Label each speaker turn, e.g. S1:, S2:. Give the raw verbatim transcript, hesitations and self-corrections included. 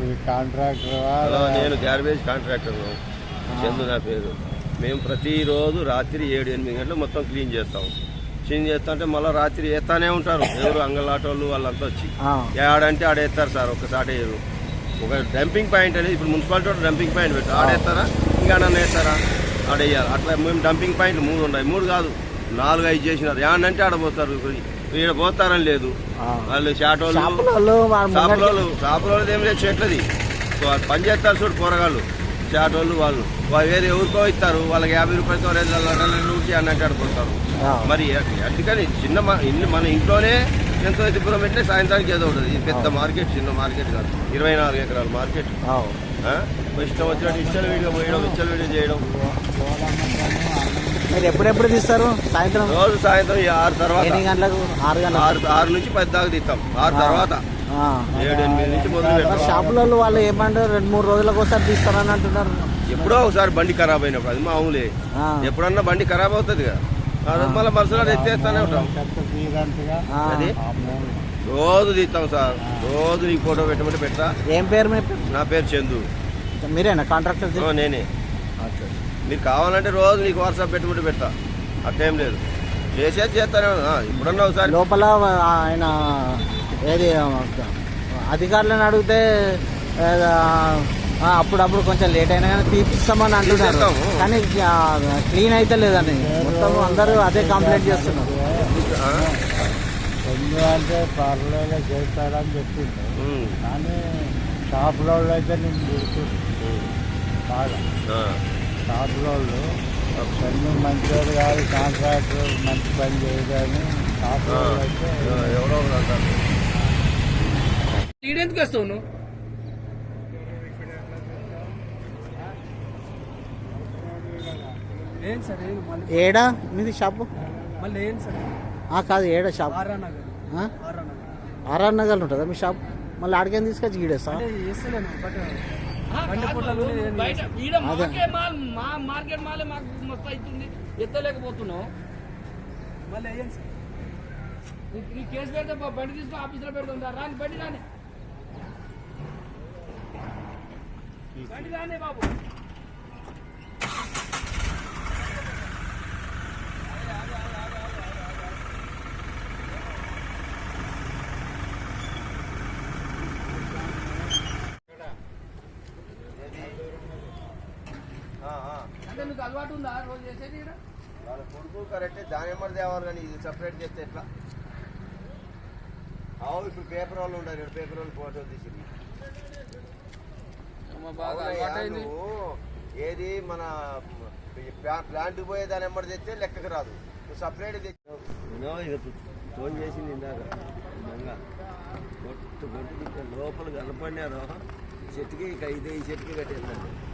S1: Contractor నేను garbage contractor Chandu నా పేరు. మేము ప్రతిరోజు రాత్రి ఏడు ఎనిమిది గంటలు మొత్తం క్లీన్ చేస్తాం. క్లీన్ చేస్తా అంటే మళ్ళీ రాత్రి వేస్తానే ఉంటారు ఎవరు అంగళాటోళ్ళు వాళ్ళంతా వచ్చి ఆడంటే ఆడేస్తారు సార్. ఒకసారి వేయరు. ఒక డంపింగ్ పాయింట్ అనేది ఇప్పుడు మున్సిపాలిటీ డంపింగ్ పాయింట్ పెట్టారు. ఆడేస్తారా ఇంకా నన్ను వేస్తారా ఆడేయాలి. అట్లా మేము డంపింగ్ పాయింట్లు మూడు ఉన్నాయి. మూడు కాదు నాలుగు ఐదు చేసినారు. ఏడంటే ఆడపోతారు. ఈడ పోతారని లేదు. వాళ్ళు షాటోళ్ళు షాపులోళ్ళు షాపులోళ్ళు ఏం లేదు చెట్లది పని చేస్తారు చూడు పోరగాళ్ళు షాటోళ్ళు. వాళ్ళు వేరే ఎవరికో ఇస్తారు. వాళ్ళకి యాభై రూపాయలతో నుంచి అన్నట్టు ఆడిపోతారు. మరి అందుకని చిన్న ఇల్లు మన ఇంట్లోనే ఎంతో దూరం పెట్టినా సాయంత్రానికి ఏదో ఉంటుంది. ఇది పెద్ద మార్కెట్ చిన్న మార్కెట్ కాదు. ఇరవై నాలుగు ఎకరాల మార్కెట్. ఇష్టం వచ్చినట్టు ఇష్టం వీడియో పోయడం ఇష్టం వీడియో చేయడం.
S2: మీరు ఎప్పుడెప్పుడు తీస్తారు? సాయంత్రం
S1: రోజు సాయంత్రం ఆరు తర్వాత
S2: ఎన్ని గంటలకు? ఆరు గంటల
S1: ఆరు ఆరు నుంచి పది దాకా తీస్తాం. ఆరు తర్వాత ఏడు ఎనిమిది నుంచి మొదలు పెడతాం.
S2: షాపులలో వాళ్ళు ఏమంటారు రెండు మూడు రోజులకు ఒకసారి తీస్తారని అంటున్నారు.
S1: ఎప్పుడో ఒకసారి బండి ఖరాబ్ అయినప్పుడు అది మామూలే. ఎప్పుడన్నా బండి ఖరాబ్ అవుతుంది కదా మళ్ళీ మరుసలో ఎత్తేస్తానే ఉంటాం. అది రోజు తీస్తాం సార్. రోజు నీకు ఫోటో పెట్టమంటే పెడతా.
S2: ఏం పేరు మీ?
S1: నా పేరు చందు.
S2: మీరేనా కాంట్రాక్టర్?
S1: నేనే. మీరు కావాలంటే రోజు నీకు వాట్సాప్ పెట్టమంటే పెడతా. అట్లేం లేదు చేసేది చేస్తానే ఉన్నా. ఇప్పుడన్నా ఒకసారి
S2: లోపల ఆయన ఏది అధికారులను అడిగితే అప్పుడప్పుడు కొంచెం లేట్ అయినా కానీ తీపిస్తామని అంటున్నారు. కానీ క్లీన్ అయితే లేదని మొత్తం అందరూ అదే కంప్లైంట్ చేస్తున్నారు.
S3: ఎందుకంటే పర్లేదు చేస్తారని చెప్పింది. కానీ షాపులో అయితే నేను గుర్తుంది బాగా. షాపులో పని మంచివాడు కాదు, కాంట్రాక్టర్ మంచి పని చేయదని షాపులో అయితే
S1: ఎవరో
S4: ఎందుకు వస్తావు నువ్వు?
S2: ఏడా మీది షాపు?
S4: మళ్ళీ ఏం సార్
S2: కాదు ఏడా షాప్?
S4: ఆర్ఆర్ నగర్.
S2: ఆర్ఆర్ నగర్లో ఉంటుందా మీ షాప్? మళ్ళీ ఆడికేం తీసుకొచ్చి గీడేస్తా?
S4: మార్కెట్ మాలే మాకు మస్తు అవుతుంది. ఎత్తలేకపోతున్నావు. మళ్ళీ వేయండి సార్. నీ కేసు పెడితే బండి తీసుకుని ఆఫీసులో పెడుతుందా? రాని బండి రాని బండి రాని బాబు. అంటే నీకు అలవాటు ఉందా రోజు చేసేది?
S1: వాళ్ళ కొడుకు కరెక్టే దాని ఎమ్మడి తేవాలి కానీ ఇది సపరేట్ చేస్తే ఎట్లా? అవు ఇప్పుడు పేపర్ వాళ్ళు ఉండాలి. పేపర్ వాళ్ళు ఫోటో తీసింది. ఏది మన ప్లాంట్ పోయే దాని ఎమ్మడి తెస్తే లెక్కకు రాదు. సపరేట్ తెచ్చి ఫోన్ చేసింది ఇందాక గొట్టు గొట్టు లోపల కనపడినారు. చెట్టుకి ఇక ఇదే ఈ చెట్టుకి కట్టేస్తాను.